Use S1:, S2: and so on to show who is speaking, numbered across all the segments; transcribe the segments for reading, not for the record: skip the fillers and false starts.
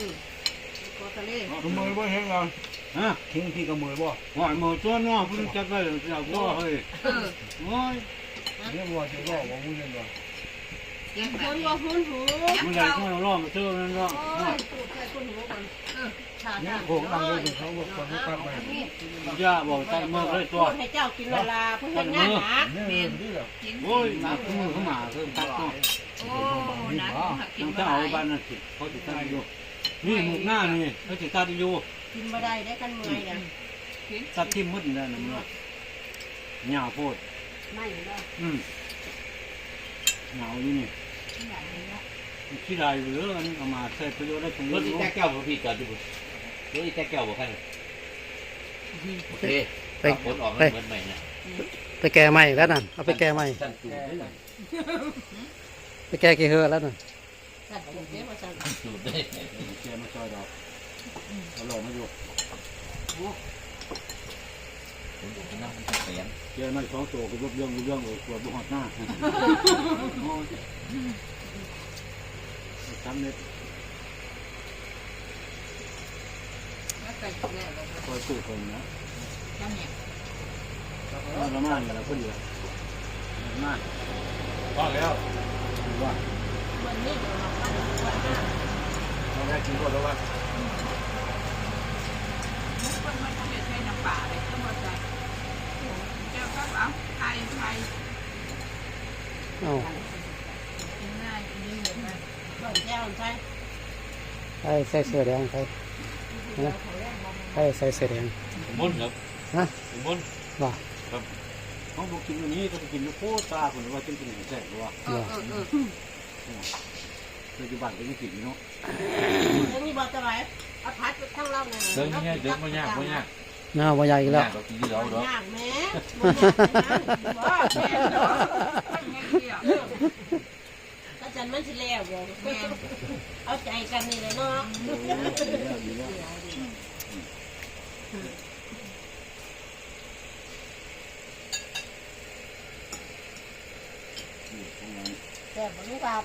S1: ก็ทะเล
S2: ขโมยบ่เห็นเราฮะทิ้งพี่ขโมยบ่หอยมือตัวน้อเพิ่งจับได้จับบ่เฮ้ยโอ้ยเรียกว่าจะบ่ว่ามึงยังบ่
S1: ยังคนว่าหุ้นหู
S2: มึงอยากให้เราล้อมเจอนั่นเนาะ
S1: พูดแค่คนหูมัน
S2: เนี่ยโขงนั่งอยู่เขาบอกคนตั้งไปย่าบอกใจเมื่อเลยตัว
S1: ให้เจ้ากินเวลาเพื่อนงานหนัก
S2: เนี่ยโอ้ยหนักมือเข้ามาเพิ่มตักตัว
S3: โอ้นะกิน
S2: ถ้า
S3: บ่
S2: เอา
S3: ได้
S2: บ้านนั่นสิเขาจะตั้งอยู่นี่หมุกหน้านี่เขาจะตั้งอยู่
S1: กินมาได้ได้กันเมื่อยนะ
S2: ตัดที่มืดนั่นน่ะมันเหงาโพด
S1: ไม่เนาะ
S2: เหงาอยู่นี่ขี้ลายเหลืออันเอามาใส่ประโยชน์ได้ถึง
S4: รถอีแตกแก้วพี่จอดอยู่รถอีแตกแก้วบอกให้โอเคผลออกเหมือนใหม่นะ
S5: ไปแก้ใหม่แล้วนั่นเอาไปแก้ใหม่
S4: ท่านจูดได้
S5: ไปแก้กี่เฮือแล้วนั่น
S1: สัตว์เลี้ยงมาสั่ง
S4: จูดได้
S2: แกมาช่วยเราเอาลงมาอยู่
S4: ผมบอกว่าน้ำมันเสียง
S2: แกมาสองตัวก็เรื่องตัวบุหัดหน้าทำเนี่ย
S3: แล้วไปแล้วแล้ว
S2: คอยสู้คนนะ
S3: นั่นเนี่ย
S2: ละมานเนี่ยเราก็ดีละมาน
S4: ก็แล้ว
S2: ว่า
S1: มันนี่เราปั้นปั้นหน้า
S4: เราได้กินก็แล้วว่า
S3: คนมันต้องใช้น้ำปลาเลยต้องมาใส่เจ้าก็เอาไทย
S5: เอ้า
S3: กินง่ายกินนี่เลยนะ
S1: ต้นแก้วใช่
S5: ใครใส่เสื้อแดงใครนะใครใส่เสื้อแดง
S4: มุนครับ
S5: ฮะ
S4: มุน
S5: ว่า
S2: เขาบอกกินอันนี้ต้องกินโคตาคนว่าจนกินแสบว่าปัจจุบันก็ยังกินเนาะ
S1: ยังมีบอลจะไหวเอาพัดไปทั้งเราเนี่ย
S4: เดินง่ายเดินไม่ยากไม่ยาก
S5: น่าว่าใหญ่แล้ว
S4: เรากินที่เราเนาะ
S1: ยากแม่
S3: ว่าแม่เนาะไม่เกี่ยว
S1: ก็จันมันสิแล้วบอกเอาใจกันนี่เลยเนาะ แต่บรรลุกับ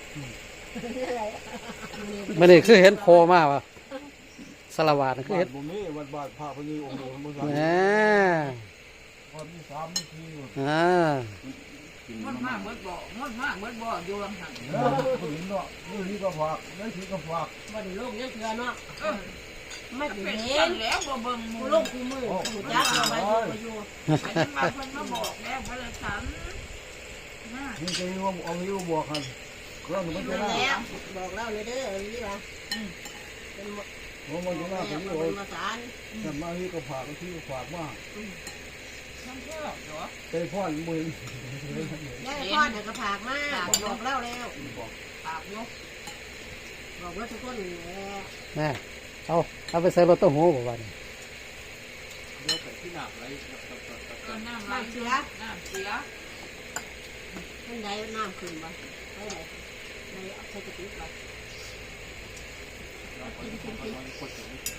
S5: ไม่ได้คือเห็นโผล่มากว่ะสารวัตรคือเห็น
S2: บุญนี่วัดบาทพระพญีองค์หลวงพ่อ
S5: แหม
S2: วันที่3นี่คือ
S5: อ่า
S3: มันมากเบิดบ่มันมากเบิดบ่อยู่ลำหัน
S2: ผู้หญิงเนาะผู้หญิงก็ฝากนั่นคือก็ฝาก
S1: บ่ได้โลกยังเถื่อเนาะไม่
S3: เป็
S1: เป็น น
S3: กั
S1: เห็
S3: น
S1: น
S3: แล้วบ่เบิ่งมู
S1: กูโลกกูมือกูจักเอาไว้อยู่
S3: ไปมาเพิ่นมาบอกแล้วว่าเลยฉัน
S2: นี่จะว่าเอาหิวบวกกันเครื่องมัน
S1: อยู่
S2: จะ
S1: นั่น
S2: น่า
S1: แล้วบอกเล่าเลยเด้อนี่ว่าเป็น
S2: มันจะน่าเป็น
S1: เป็นมาสาร
S2: แต่มาที่ก็ฝากที่ก็ฝากว่า
S3: ฉันชอบเหรอ
S2: ไปพ่อนมือ
S1: ได้พ่อเด็กกระผากมากบอกเล่าแล้ว
S3: ปากยก
S1: บอกว่าทุกคน
S5: แม่เอาไปใส่รถตู้หูบ่วัน
S4: เราไปที่หนักไร
S3: น้ำไหลเสียน้ำเสีย
S1: มันได้น้ำขึ้นบ่ได้ไหนได้เอาใส่กระติกบ่